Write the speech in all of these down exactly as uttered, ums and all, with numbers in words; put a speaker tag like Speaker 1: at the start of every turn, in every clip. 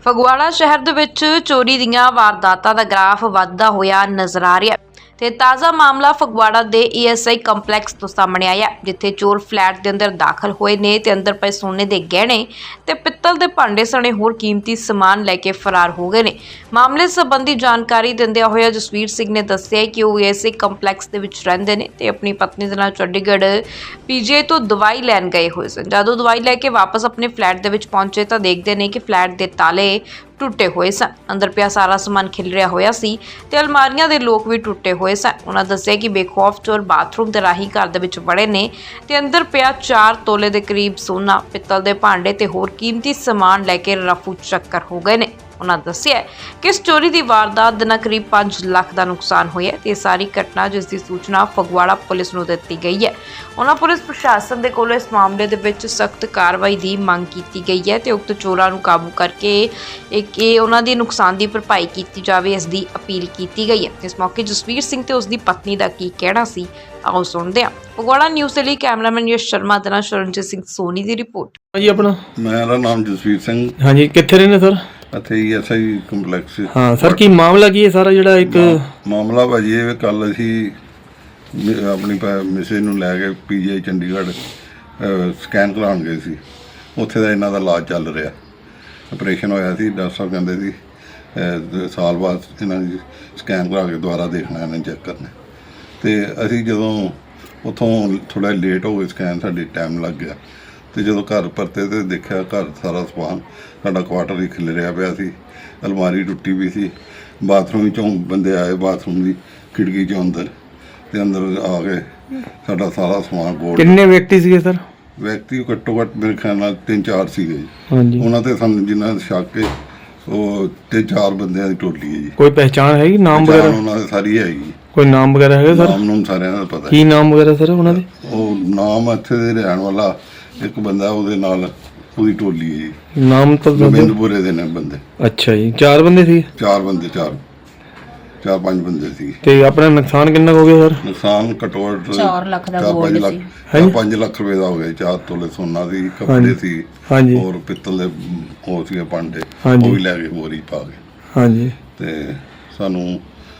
Speaker 1: ਫਗਵਾੜਾ ਸ਼ਹਿਰ ਦੇ ਵਿੱਚ ਚੋਰੀ ਦੀਆਂ ਵਾਰਦਾਤਾਂ ਦਾ ਗ੍ਰਾਫ ਵੱਧਦਾ ਹੋਇਆ ਨਜ਼ਰ ਆ ਰਿਹਾ ਹੈ ਤੇ ਤਾਜ਼ਾ ਮਾਮਲਾ ਫਗਵਾੜਾ ਦੇ ਈ ਐਸ ਆਈ ਕੰਪਲੈਕਸ ਤੋਂ ਸਾਹਮਣੇ ਆਇਆ, ਜਿੱਥੇ ਚੋਰ ਫਲੈਟ ਦੇ ਅੰਦਰ ਦਾਖਲ ਹੋਏ ਨੇ ਤੇ ਅੰਦਰ ਪਏ ਸੋਨੇ ਦੇ ਗਹਿਣੇ ਤੇ ਪਿੱਤਲ ਦੇ ਭਾਂਡੇ ਸਣੇ ਹੋਰ ਕੀਮਤੀ ਸਮਾਨ ਲੈ ਕੇ ਫਰਾਰ ਹੋ ਗਏ ਨੇ। ਮਾਮਲੇ ਸੰਬੰਧੀ ਜਾਣਕਾਰੀ ਦਿੰਦਿਆਂ ਹੋਇਆ ਜਸਵੀਰ ਸਿੰਘ ਨੇ ਦੱਸਿਆ ਕਿ ਉਹ ਈ ਐਸ ਆਈ ਕੰਪਲੈਕਸ ਦੇ ਵਿੱਚ ਰਹਿੰਦੇ ਨੇ ਤੇ ਆਪਣੀ ਪਤਨੀ ਦੇ ਨਾਲ ਚੰਡੀਗੜ੍ਹ ਪੀ ਜੀ ਆਈ ਤੋਂ ਦਵਾਈ ਲੈਣ ਗਏ ਹੋਏ ਸਨ। ਜਦੋਂ ਦਵਾਈ ਲੈ ਕੇ ਵਾਪਸ ਆਪਣੇ ਫਲੈਟ ਦੇ ਵਿੱਚ ਪਹੁੰਚੇ ਤਾਂ ਦੇਖਦੇ ਨੇ ਕਿ ਫਲੈਟ ਦੇ ਤਾਲੇ ਟੁੱਟੇ ਹੋਏ ਸਨ। ਅੰਦਰ ਪਿਆ ਸਾਰਾ ਸਮਾਨ ਖਿਲਰਿਆ ਹੋਇਆ ਸੀ ਤੇ ਅਲਮਾਰੀਆਂ ਦੇ ਲੋਕ ਵੀ ਟੁੱਟੇ ਹੋਏ ਸਨ। ਉਹਨਾਂ ਦੱਸਿਆ ਕਿ ਬੇਖੌਫ ਚੋਰ ਬਾਥਰੂਮ ਦੇ ਰਾਹੀਂ ਘਰ ਦੇ ਵਿੱਚ ਵੜੇ ਨੇ ਤੇ ਅੰਦਰ ਪਿਆ ਚਾਰ ਤੋਲੇ ਦੇ ਕਰੀਬ ਸੋਨਾ, ਪਿੱਤਲ ਦੇ ਭਾਂਡੇ ਤੇ ਹੋਰ ਕੀਮਤੀ ਸਮਾਨ ਲੈ ਕੇ ਰਫੂ ਚੱਕਰ ਹੋ ਗਏ ਨੇ। ਉਹਨਾਂ ਦੱਸਿਆ ਕਿ ਇਸ ਚੋਰੀ ਦੀ ਵਾਰਦਾਤ ਦੇ ਨਾਲ ਕਰੀਬ ਪੰਜ ਲੱਖ ਦਾ ਨੁਕਸਾਨ ਹੋਇਆ ਤੇ ਇਹ ਸਾਰੀ ਘਟਨਾ ਜਿਸ ਦੀ ਸੂਚਨਾ ਫਗਵਾੜਾ ਪੁਲਿਸ ਨੂੰ ਦਿੱਤੀ ਗਈ ਹੈ। ਉਹਨਾਂ ਪੁਲਿਸ ਪ੍ਰਸ਼ਾਸਨ ਦੇ ਕੋਲੋਂ ਇਸ ਮਾਮਲੇ ਦੇ ਵਿੱਚ ਸਖਤ ਕਾਰਵਾਈ ਦੀ ਮੰਗ ਕੀਤੀ ਗਈ ਹੈ ਤੇ ਉਕਤ ਚੋਰਾਂ ਨੂੰ ਕਾਬੂ ਕਰਕੇ ਇੱਕ ਇਹ ਉਹਨਾਂ ਦੀ ਨੁਕਸਾਨ ਦੀ ਭਰਪਾਈ ਕੀਤੀ ਜਾਵੇ, ਇਸ ਦੀ ਅਪੀਲ ਕੀਤੀ ਗਈ ਹੈ। ਇਸ ਮੌਕੇ ਜਸਵੀਰ ਸਿੰਘ ਤੇ ਉਸ ਦੀ ਪਤਨੀ ਦਾ ਕੀ ਕਹਿਣਾ ਸੀ, ਆਓ ਸੁਣਦੇ ਹਾਂ। ਫਗਵਾੜਾ ਨਿਊਜ਼ ਦੇ ਲਈ ਕੈਮਰਾਮੈਨ ਯਸ਼ ਸ਼ਰਮਾ ਦੇ ਨਾਲ ਸ਼ਰਨਜੀਤ ਸਿੰਘ ਸੋਨੀ ਦੀ ਰਿਪੋਰਟ।
Speaker 2: ਜੀ ਆਪਣਾ
Speaker 3: ਮੇਰਾ ਨਾਮ ਜਸਵੀਰ ਸਿੰਘ।
Speaker 2: ਹਾਂਜੀ, ਕਿੱਥੇ ਰਹਿੰਦੇ ਸਰ?
Speaker 3: ਇੱਥੇ ਈ ਐਸ ਆਈ ਕੰਪਲੈਕਸ।
Speaker 2: ਹਾਂ ਸਰ, ਕੀ ਮਾਮਲਾ ਕੀ ਹੈ ਸਾਰਾ ਜਿਹੜਾ ਇੱਕ
Speaker 3: ਮਾਮਲਾ ਭਾਜੀ ਇਹ ਕੱਲ ਅਸੀਂ ਆਪਣੀ ਮਿਸੇ ਨੂੰ ਲੈ ਕੇ ਪੀ ਜੀ ਆਈ ਚੰਡੀਗੜ੍ਹ ਸਕੈਨ ਕਰਾਉਣ ਗਏ ਸੀ। ਉੱਥੇ ਦਾ ਇਹਨਾਂ ਦਾ ਇਲਾਜ ਚੱਲ ਰਿਹਾ, ਆਪਰੇਸ਼ਨ ਹੋਇਆ ਸੀ। ਡਾਕਟਰ ਸਾਹਿਬ ਕਹਿੰਦੇ ਸੀ ਸਾਲ ਬਾਅਦ ਇਹਨਾਂ ਦੀ ਸਕੈਨ ਕਰਾ ਕੇ ਦੁਬਾਰਾ ਦੇਖਣਾ, ਇਹਨਾਂ ਚੈੱਕ ਕਰਨਾ। ਅਤੇ ਅਸੀਂ ਜਦੋਂ ਉੱਥੋਂ ਥੋੜ੍ਹਾ ਲੇਟ ਹੋ ਗਏ, ਸਕੈਨ ਸਾਡੀ ਟਾਈਮ ਲੱਗ ਗਿਆ। ਅਤੇ ਜਦੋਂ ਘਰ ਪਰਤੇ ਤਾਂ ਦੇਖਿਆ ਘਰ ਸਾਰਾ ਸਮਾਨ ਸਾਡਾ ਕੁਆਟਰ ਹੀ ਖਿਲਰਿਆ ਪਿਆ ਸੀ। ਅਲਮਾਰੀ ਟੁੱਟੀ ਵੀ ਸੀ। ਬਾਥਰੂਮ ਵਿੱਚੋਂ ਬੰਦੇ ਆਏ, ਬਾਥਰੂਮ ਦੀ ਖਿੜਕੀ 'ਚੋਂ ਅੰਦਰ ਅਤੇ ਅੰਦਰ ਆ ਕੇ ਸਾਡਾ ਸਾਰਾ ਸਮਾਨ ਗੋਲ।
Speaker 2: ਕਿੰਨੇ ਵਿਅਕਤੀ ਸੀਗੇ ਸਰ?
Speaker 3: ਵਿਅਕਤੀ ਘੱਟੋ ਘੱਟ ਮੇਰੇ ਖਿਆਲ ਨਾਲ ਤਿੰਨ ਚਾਰ ਸੀਗੇ ਜੀ।
Speaker 2: ਹਾਂਜੀ,
Speaker 3: ਉਹਨਾਂ 'ਤੇ ਸਾਨੂੰ ਜਿੰਨਾ ਸ਼ੱਕ ਹੈ ਉਹ ਤਿੰਨ ਚਾਰ ਬੰਦਿਆਂ ਦੀ ਟੋਲੀ ਹੈ ਜੀ।
Speaker 2: ਕੋਈ ਪਹਿਚਾਣ ਹੈਗੀ, ਨਾਮ ਵਗੈਰਾ
Speaker 3: ਉਹਨਾਂ ਦੇ ਸਾਰੀ ਹੈਗੀ।
Speaker 2: ਕੋਈ ਨਾਮ ਵਗੈਰਾ ਹੈਗਾ ਸਰ?
Speaker 3: ਨਾਮ ਨੂੰ ਸਾਰਿਆਂ ਦਾ ਪਤਾ।
Speaker 2: ਕੀ ਨਾਮ ਵਗੈਰਾ ਸਰ ਉਹਨਾਂ ਦੇ?
Speaker 3: ਉਹ ਨਾਮ ਇੱਥੇ ਦੇ ਰਹਿਣ ਵਾਲਾ ਇੱਕ ਬੰਦਾ, ਉਹਦੇ ਨਾਲ ਉਹਦੀ ਟੋਲੀ ਹੈ ਜੀ।
Speaker 2: ਨਾਮ ਤਾਂ
Speaker 3: ਗੋਬਿੰਦਪੁਰੇ ਦੇ ਨੇ ਬੰਦੇ।
Speaker 2: ਅੱਛਾ ਜੀ, ਚਾਰ ਬੰਦੇ ਸੀ?
Speaker 3: ਚਾਰ ਬੰਦੇ, ਚਾਰ ਚਾਰ ਪੰਜ ਬੰਦੇ ਸੀ।
Speaker 2: ਤੇ ਆਪਣਾ ਨੁਕਸਾਨ ਕਿੰਨਾ ਹੋ ਗਿਆ ਸਰ?
Speaker 3: ਨੁਕਸਾਨ ਘੱਟੋ ਘੱਟ
Speaker 4: ਚਾਰ ਲੱਖ ਦਾ
Speaker 3: ਚਾਰ ਪੰਜ
Speaker 4: ਗੋਲਡ
Speaker 3: ਲੱਖ
Speaker 4: ਸੀ।
Speaker 3: ਪੰਜ ਲੱਖ ਰੁਪਏ ਦਾ ਹੋ ਗਿਆ। ਚਾਰ ਤੋਲੇ ਸੋਨਾ ਸੀ, ਕੱਪੜੇ ਸੀ,
Speaker 2: ਹਾਂਜੀ,
Speaker 3: ਹੋਰ ਪਿੱਤਲ ਦੇ ਹੋਰ ਸੀਗੇ ਭਾਂਡੇ,
Speaker 2: ਹਾਂਜੀ,
Speaker 3: ਉਹ ਵੀ ਲੈ ਕੇ ਬੋਰੀ ਪਾ ਕੇ।
Speaker 2: ਹਾਂਜੀ,
Speaker 3: ਤੇ ਸਾਨੂੰ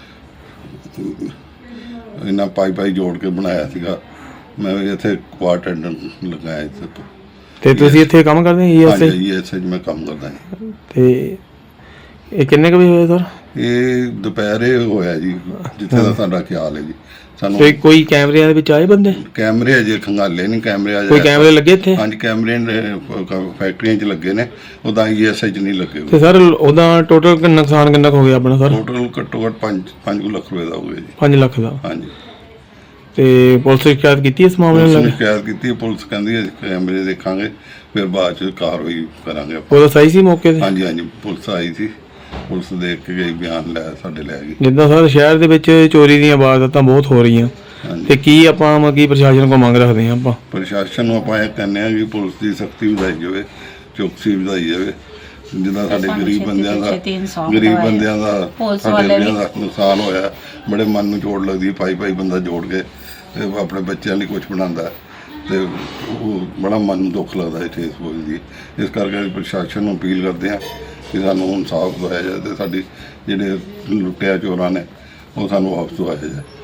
Speaker 3: ਇਹਨਾਂ ਪਾਈ ਪਾਈ ਜੋੜ ਕੇ ਬਣਾਇਆ ਸੀਗਾ। ਮੈਂ ਵੀ ਇੱਥੇ ਕੁਆਟਰ ਲਗਾਇਆ ਇੱਥੇ ਤੋਂ।
Speaker 2: ਤੇ ਤੁਸੀਂ ਇੱਥੇ ਕੰਮ ਕਰਦੇ ਹੋ?
Speaker 3: ਹਾਂਜੀ, ਈ ਐਸ ਆਈ 'ਚ ਮੈਂ ਕੰਮ ਕਰਦਾ ਹਾਂ।
Speaker 2: ਤੇ ਇਹ ਕਿੰਨੇ ਕੁ ਵਜੇ ਹੋਇਆ ਸਰ?
Speaker 3: ਇਹ ਦੁਪਹਿਰੇ ਹੋਇਆ ਜੀ, ਜਿੱਥੇ ਦਾ ਸਾਡਾ ਖਿਆਲ ਹੈ ਜੀ। ਸਾਨੂੰ
Speaker 2: ਤੇ ਕੋਈ ਕੈਮਰਿਆਂ ਦੇ ਵਿੱਚ ਆਏ ਬੰਦੇ?
Speaker 3: ਕੈਮਰੇ ਅਜੇ ਖੰਗਾਲੇ ਨਹੀਂ, ਕੈਮਰੇ ਅਜੇ
Speaker 2: ਕੋਈ ਕੈਮਰੇ ਲੱਗੇ ਇੱਥੇ?
Speaker 3: ਹਾਂਜੀ, ਕੈਮਰੇ ਫੈਕਟਰੀਆਂ 'ਚ ਲੱਗੇ ਨੇ, ਉਹਦਾ ਈ ਐਸ ਆਈ 'ਚ ਨਹੀਂ ਲੱਗੇ।
Speaker 2: ਤੇ ਸਰ ਉਹਦਾ ਟੋਟਲ ਨੁਕਸਾਨ ਕਿੰਨਾ ਕੁ ਹੋ ਗਿਆ ਆਪਣਾ ਸਰ?
Speaker 3: ਟੋਟਲ ਘੱਟੋ ਘੱਟ ਪੰਜ ਪੰਜ ਲੱਖ ਰੁਪਏ ਦਾ ਹੋ ਗਿਆ ਜੀ।
Speaker 2: ਪੰਜ ਲੱਖ ਦਾ?
Speaker 3: ਹਾਂਜੀ।
Speaker 2: ਤੇ ਪੁਲਿਸ ਸ਼ਿਕਾਇਤ ਕੀਤੀ ਇਸ ਮਾਮਲੇ
Speaker 3: ਪੁਲਿਸ
Speaker 2: ਨੂੰ?
Speaker 3: ਨੇ ਸ਼ਿਕਾਇਤ ਕੀਤੀ। ਪੁਲਿਸ ਕਹਿੰਦੀ ਹੈ ਕੈਮਰੇ ਦੇਖਾਂਗੇ, ਫਿਰ ਬਾਅਦ 'ਚ ਕਾਰਵਾਈ ਕਰਾਂਗੇ।
Speaker 2: ਪੁਲਿਸ ਆਈ ਸੀ ਮੌਕੇ ਤੇ?
Speaker 3: ਹਾਂਜੀ ਹਾਂਜੀ, ਪੁਲਿਸ ਆਈ ਸੀ। ਪੁਲਿਸ ਦੇਖ ਕੇ ਗਈ, ਬਿਆਨ ਲੈ ਸਾਡੇ ਲੈ ਗਈ।
Speaker 2: ਜਿੱਦਾਂ ਸਰ ਸ਼ਹਿਰ ਦੇ ਵਿੱਚ ਚੋਰੀ ਦੀਆਂ ਵਾਰਦਾਤਾਂ ਬਹੁਤ ਹੋ ਰਹੀਆਂ, ਤੇ ਕੀ ਆਪਾਂ ਮਤਲਬ ਕੀ ਪ੍ਰਸ਼ਾਸਨ ਕੋਲ ਮੰਗ ਰੱਖਦੇ ਹਾਂ? ਆਪਾਂ
Speaker 3: ਪ੍ਰਸ਼ਾਸਨ ਨੂੰ ਆਪਾਂ ਇਹ ਕਹਿੰਦੇ ਹਾਂ ਕਿ ਪੁਲਿਸ ਦੀ ਸਖਤੀ ਵਧਾਈ ਜਾਵੇ, ਚੌਕਸੀ ਵਧਾਈ ਜਾਵੇ। ਜਿੱਦਾਂ ਸਾਡੇ ਗਰੀਬ ਬੰਦਿਆਂ ਦਾ ਗਰੀਬ ਬੰਦਿਆਂ ਦਾ ਸਾਡੇ ਦਾ ਨੁਕਸਾਨ ਹੋਇਆ, ਬੜੇ ਮਨ ਨੂੰ ਚੋਟ ਲੱਗਦੀ। ਪਾਈ ਪਾਈ ਬੰਦਾ ਜੋੜ ਕੇ ਆਪਣੇ ਬੱਚਿਆਂ ਲਈ ਕੁਝ ਬਣਾਉਂਦਾ ਤੇ ਉਹ ਬੜਾ ਮਨ ਨੂੰ ਦੁੱਖ ਲੱਗਦਾ ਹੈ ਠੇਸ ਪਹੁੰਚਦੀ। ਇਸ ਕਰਕੇ ਪ੍ਰਸ਼ਾਸਨ ਨੂੰ ਅਪੀਲ ਕਰਦੇ ਹਾਂ ਕਿ ਸਾਨੂੰ ਇਨਸਾਫ ਦਵਾਇਆ ਜਾਏ ਤੇ ਸਾਡੀ ਜਿਹੜੇ ਲੁੱਟਿਆ ਚੋਰਾਂ ਨੇ ਉਹ ਸਾਨੂੰ ਵਾਪਸ ਦਵਾਇਆ ਜਾਏ।